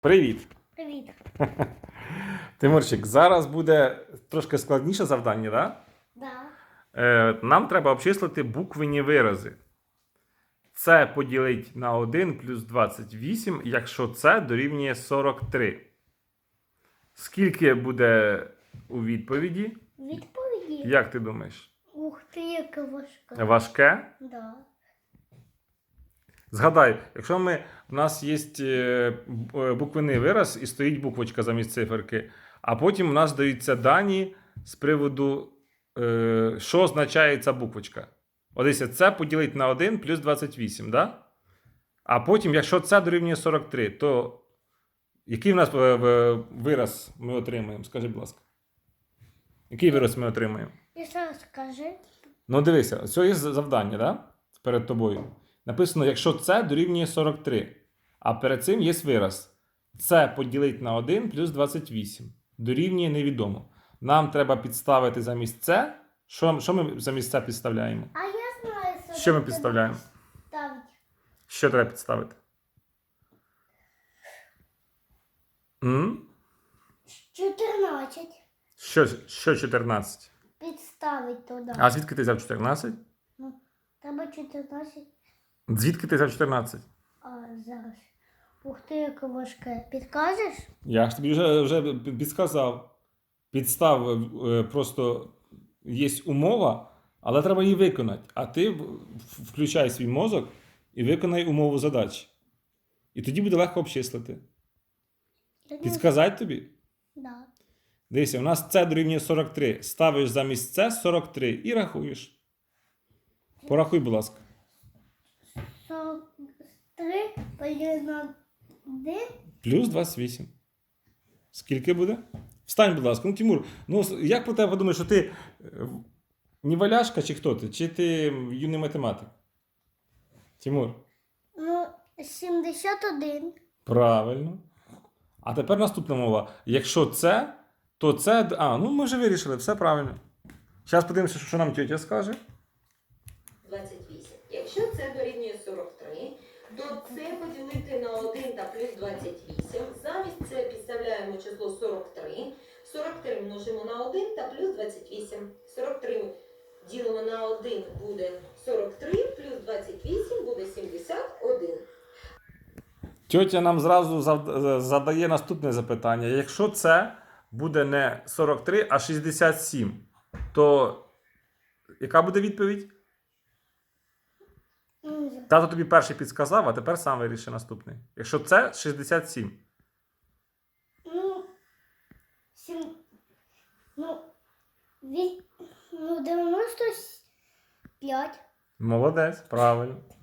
Привіт! Привіт. Тимурчик, зараз буде трошки складніше завдання, так? Да. Нам треба обчислити буквенні вирази. Це поділить на 1 плюс 28, якщо це дорівнює 43. Скільки буде у відповіді? Відповіді? Як ти думаєш? Ух ти, яка важка. Важке? Да. Згадай, якщо у нас є буквенний вираз і стоїть буквочка замість циферки, а потім у нас даються дані з приводу, що означає ця буквочка. Ось це поділить на 1 плюс 28, да? А потім, якщо це дорівнює 43, то який в нас вираз ми отримаємо? Скажи, будь ласка. Який вираз ми отримаємо? І що скажи? Ну, дивися, це є завдання, да? Перед тобою. Написано, якщо це дорівнює 43. А перед цим є вираз. Це поділить на 1 плюс 28. Дорівнює невідомо. Нам треба підставити замість це. Що ми замість це підставляємо? А я знаю, Що ми підставляємо? ставить. Що треба підставити? 14. Що 14? Підставить туди. А звідки ти взяв 14? Ну, треба 14. Звідки ти взяв 14? А зараз. Ух ти, яка важка. Підкажеш? Я ж тобі вже підсказав. Підстав просто є умова, але треба її виконати. А ти включай свій мозок і виконай умову задачі. І тоді буде легко обчислити. Підсказати тобі? Да. Дивися, у нас це дорівнює 43. Ставиш замість це 43 і рахуєш. Порахуй, будь ласка. 43 поділити на 1. Плюс 28. Скільки буде? Встань, будь ласка. Ну, Тимур, ну як про тебе подумаєш, що ти неваляшка чи хто ти? Чи ти юний математик? Тимур. Ну, 71. Правильно. А тепер наступна мова. Якщо це, то це... ну ми вже вирішили, все правильно. Зараз подивимося, що нам тетя скаже. 28. Якщо це дорівнює 43, то це поділити на 1 та плюс 28. Замість це підставляємо число 43. 43 множимо на 1 та плюс 28. 43 ділимо на 1 буде 43, плюс 28 буде 71. Тьотя нам зразу задає наступне запитання. Якщо це буде не 43, а 67, то яка буде відповідь? Тато тобі перший підсказав, а тепер сам виріши наступний. Якщо це 67. Ну, 95. Молодець, правильно.